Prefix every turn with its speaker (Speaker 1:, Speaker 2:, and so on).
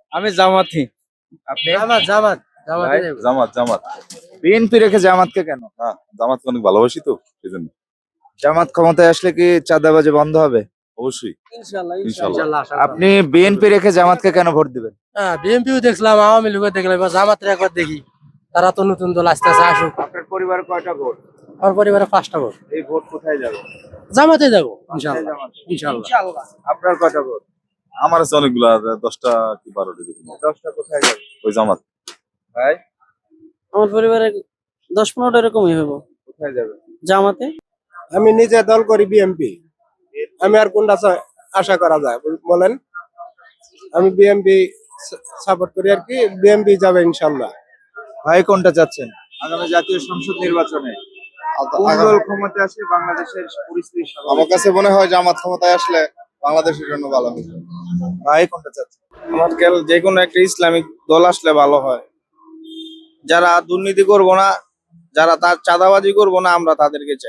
Speaker 1: আমি জামাতি।
Speaker 2: আপনি?
Speaker 3: জামাত
Speaker 2: ভাই?
Speaker 4: জামাত জামাত।
Speaker 2: বিএনপি রেখে জামাতকে কেন?
Speaker 4: হ্যাঁ, জামাতকে অনেক ভালোবাসি তো সেজন্য।
Speaker 2: জামাত ক্ষমতায় আসলে কি চাঁদাবাজি বন্ধ হবে?
Speaker 4: অবশ্যই
Speaker 3: ইনশাআল্লাহ
Speaker 4: ইনশাআল্লাহ।
Speaker 2: আপনি বিএনপি রেখে জামাতকে কেন ভোট দিবেন?
Speaker 3: হ্যাঁ, বিএনপিও দেখলাম, আওয়ামী লীগও দেখলাম, এবার জামাতের একবার দেখি। তারা তো নতুন দল আসতে আসুক।
Speaker 2: আপনার পরিবারে কয়টা ভোট?
Speaker 3: আমার পরিবারে 5টা ভোট।
Speaker 2: এই ভোট কোথায় যাবে?
Speaker 3: জামাতে যাবো ইনশাআল্লাহ।
Speaker 2: জামাত।
Speaker 3: ইনশাআল্লাহ।
Speaker 2: আপনার কয়টা ভোট?
Speaker 4: আমার আছে অনেকগুলা, 10টা কি 12টা এরকম।
Speaker 2: 10টা কোথায় যাবে?
Speaker 4: ওই জামাত।
Speaker 2: ভাই
Speaker 3: আমার পরিবারে 10-15টা এরকমই হইব।
Speaker 2: কোথায় যাবে?
Speaker 3: জামাতে।
Speaker 5: আমি নিজে দল করি বিএমপি। আমি আর কোনটা আশা করা যায় বলেন? আমি বিএমপি সাপোর্ট করি আর কি, বিএমপি যাবে ইনশাল্লাহ।
Speaker 2: ভাই কোনটা চাচ্ছেন আগামী জাতীয় সংসদ নির্বাচনে? কোন দল ক্ষমতায় আসলে বাংলাদেশের পরিস্থিতি স্বাভাবিক?
Speaker 4: আমার কাছে মনে হয় জামাত ক্ষমতায় আসলে বাংলাদেশের জন্য ভালো হবে।
Speaker 2: ভাই কোনটা চাচ্ছেন?
Speaker 1: আমার খেয়াল যে কোনো একটা ইসলামিক দল আসলে ভালো হয়, যারা দুর্নীতি করবো না, যারা তার চাঁদাবাজি করবো না, আমরা তাদেরকে চাই।